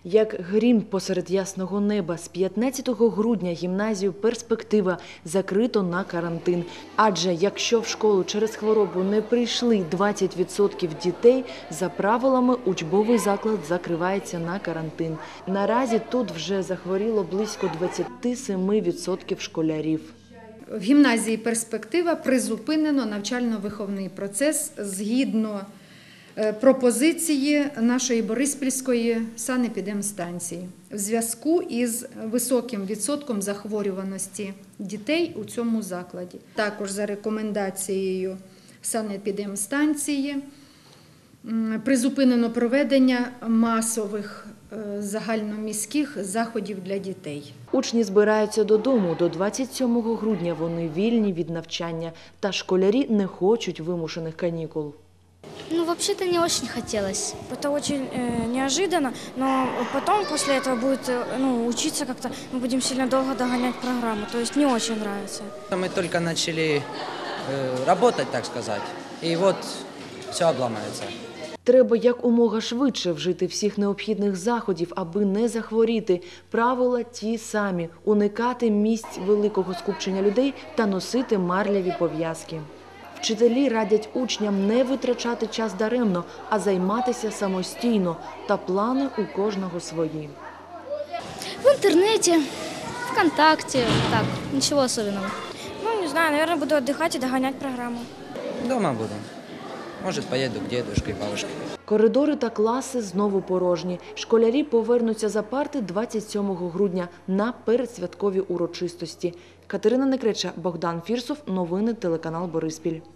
Як грім посеред ясного неба, з 15 грудня гімназію «Перспектива» закрито на карантин. Адже якщо в школу через хворобу не прийшли 20% дітей, за правилами учбовий заклад закривається на карантин. Наразі тут вже захворіло близько 27% школярів. В гімназії «Перспектива» призупинено навчально-виховний процес згідно пропозиції нашої Бориспільської санепідемстанції в зв'язку із високим відсотком захворюваності дітей у цьому закладі. Також за рекомендацією санепідемстанції призупинено проведення масових загальноміських заходів для дітей. Учні збираються додому. До 27 грудня вони вільні від навчання. Та школярі не хочуть вимушених канікул. Ну, вообще-то не очень хотелось. Это очень неожиданно, но потом после этого будет учиться как-то, мы будем сильно долго догонять программу, то есть не очень нравится. Мы только начали работать, так сказать, и вот все обломается. Треба якомога швидше вжити всіх необхідних заходів, аби не захворіти. Правила ті самі – уникати місць великого скупчення людей та носити марляві пов'язки. Вчителі радять учням не витрачати час даремно, а займатися самостійно. Та плани у кожного свої. В интернете, ВКонтакте, так, ничего особенного. Ну, не знаю, наверное, буду отдыхать и догонять программу. Дома буду. Может, поеду к дедушке и бабушке. Коридори та класи знову порожні. Школярі повернуться за парти 27 грудня на передсвяткові урочистості. Катерина Некреча, Богдан Фірсов. Новини телеканал Бориспіль.